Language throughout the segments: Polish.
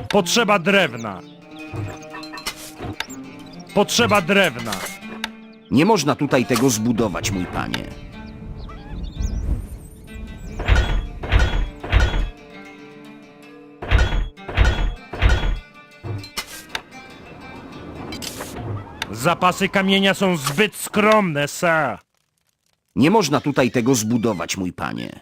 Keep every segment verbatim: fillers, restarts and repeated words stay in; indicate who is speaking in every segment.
Speaker 1: Potrzeba drewna. Potrzeba drewna.
Speaker 2: Nie można tutaj tego zbudować, mój panie.
Speaker 1: Zapasy kamienia są zbyt skromne, sir.
Speaker 2: Nie można tutaj tego zbudować, mój panie.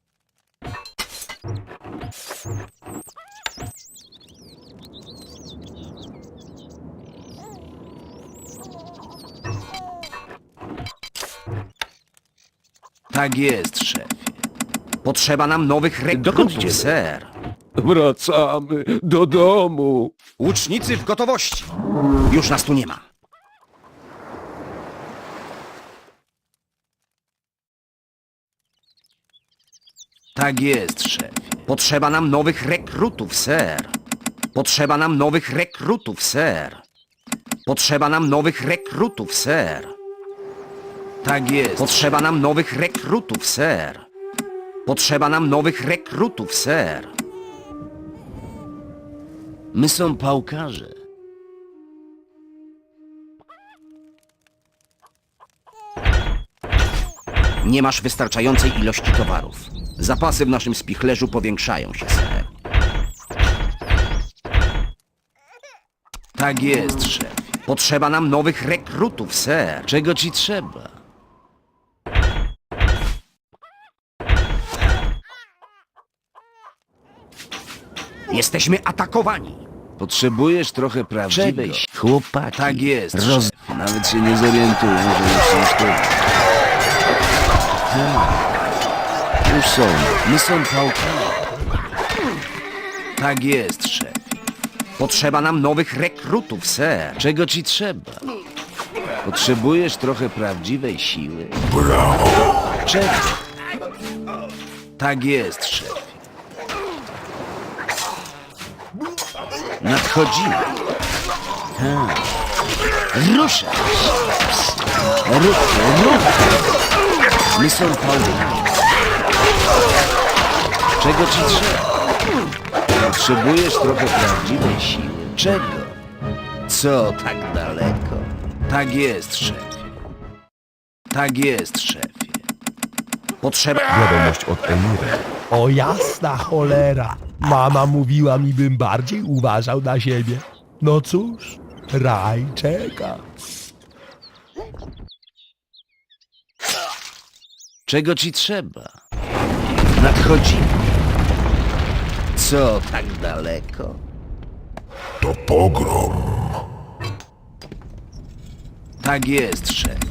Speaker 2: Tak jest, szefie. Potrzeba nam nowych rekrutów,
Speaker 3: idziemy?
Speaker 2: ser.
Speaker 3: Wracamy do domu.
Speaker 2: Łucznicy w gotowości. Już nas tu nie ma. Tak jest, szefie. Potrzeba nam nowych rekrutów, ser. Potrzeba nam nowych rekrutów, ser. Potrzeba nam nowych rekrutów, ser. Tak jest. Potrzeba nam nowych rekrutów, ser. Potrzeba nam nowych rekrutów, ser. My są pałkarze. Nie masz wystarczającej ilości towarów. Zapasy w naszym spichlerzu powiększają się, ser. Tak jest, szef. Potrzeba nam nowych rekrutów, ser. Czego ci trzeba? Jesteśmy atakowani.
Speaker 3: Potrzebujesz trochę prawdziwej
Speaker 2: Czego?
Speaker 3: chłopaki.
Speaker 2: Tak jest,
Speaker 3: Roz...
Speaker 2: szef.
Speaker 3: Nawet się nie zorientują, że już są sztuki. Już są.
Speaker 2: My są pałkami. Tak jest, szef. Potrzeba nam nowych rekrutów, ser.
Speaker 3: Czego ci trzeba? Potrzebujesz trochę prawdziwej siły?
Speaker 2: Czego? Tak jest, szef. Nadchodzimy. Tak. Ruszaj się. Ruchy, ruchy. My są pałkami.
Speaker 3: Czego ci trzeba? Potrzebujesz trochę prawdziwej siły?
Speaker 2: Czego? Co tak daleko? Tak jest, szefie. Tak jest, szefie. Potrzeba...
Speaker 4: Wiadomość od Emira. O jasna cholera! Mama mówiła mi, bym bardziej uważał na siebie. No cóż, raj czeka.
Speaker 2: Czego ci trzeba? Nadchodzimy. Co tak daleko?
Speaker 5: To pogrom.
Speaker 2: Tak jest, szefie.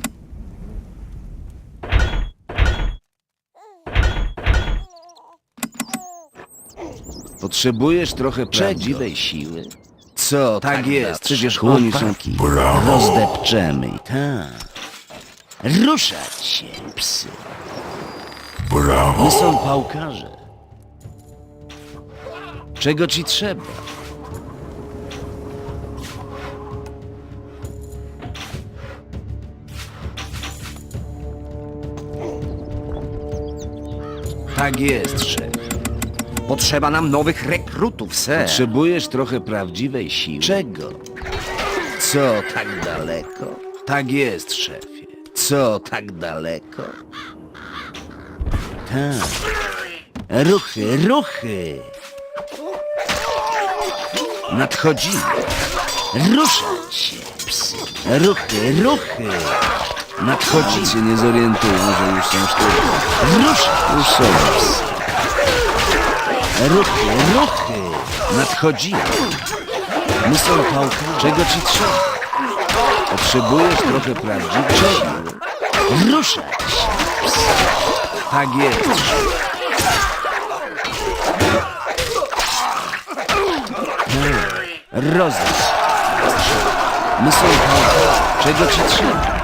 Speaker 3: Potrzebujesz trochę
Speaker 2: Czego?
Speaker 3: prawdziwej siły?
Speaker 2: Co tak,
Speaker 3: Tak
Speaker 2: jest?
Speaker 3: jest,
Speaker 2: Przecież
Speaker 3: przecież
Speaker 2: oni są...
Speaker 3: chłopaki.
Speaker 5: Brawo.
Speaker 2: Rozdepczemy. Tak. Ruszać się, psy.
Speaker 5: Brawo.
Speaker 2: My są pałkarze.
Speaker 3: Czego ci trzeba?
Speaker 2: Tak jest, szef. Potrzeba nam nowych rekrutów, ser.
Speaker 3: Potrzebujesz trochę prawdziwej siły?
Speaker 2: Czego? Co tak daleko? Tak jest, szefie. Co tak daleko? Tak. Ruchy, ruchy. Nadchodzimy. Ruszać się, psy. Ruchy, ruchy. Nadchodzimy.
Speaker 3: Nic się nie zorientują, że już są sztuki.
Speaker 2: Ruszać.
Speaker 3: Już są.
Speaker 2: psy. Ruchy, ruchy. Nadchodzimy. My są pałkami.
Speaker 3: Czego ci trzeba? Potrzebujesz trochę prawdziwej siły?
Speaker 2: Ruszać się, psy. Tak jest. Rozdać. My są pałkami.
Speaker 3: Czego ci trzeba?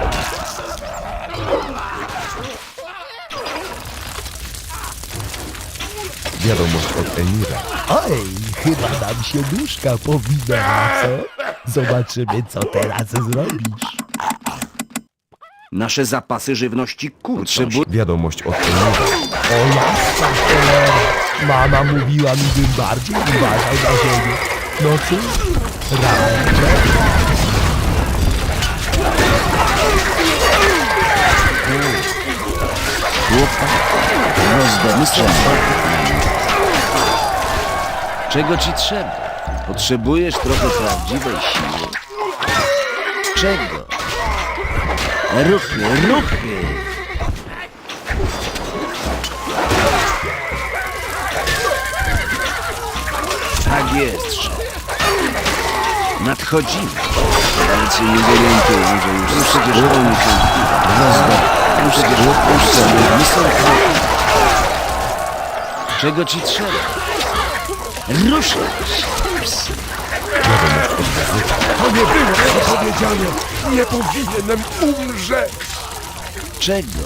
Speaker 4: Wiadomość od Emira. Oj, chyba nam się duszka powinęła, co? Zobaczymy, co teraz zrobisz.
Speaker 2: Nasze zapasy żywności kurczą się.
Speaker 3: Potrzebu...
Speaker 4: Wiadomość od Emira. O jasna cholera! Mama mówiła mi, bym bardziej uważał na siebie. No cóż, Rajczek.
Speaker 3: Rozdamy strzał. Czego ci trzeba? Potrzebujesz trochę prawdziwej siły? Czego? Ruchy, ruchy! Tak jest, szef. Nadchodzimy. Ale cię nie zorientuję, że już no przecież oni się rozdam. No przecież opuszczamy. Nie są kroki. Czego ci trzeba? Ruszaj się.
Speaker 4: To nie było powiedziane. Nie powinienem umrzeć.
Speaker 3: Czego?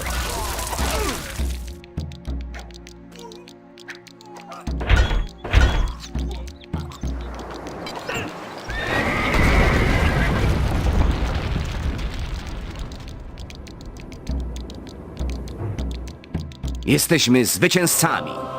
Speaker 2: Jesteśmy zwycięzcami.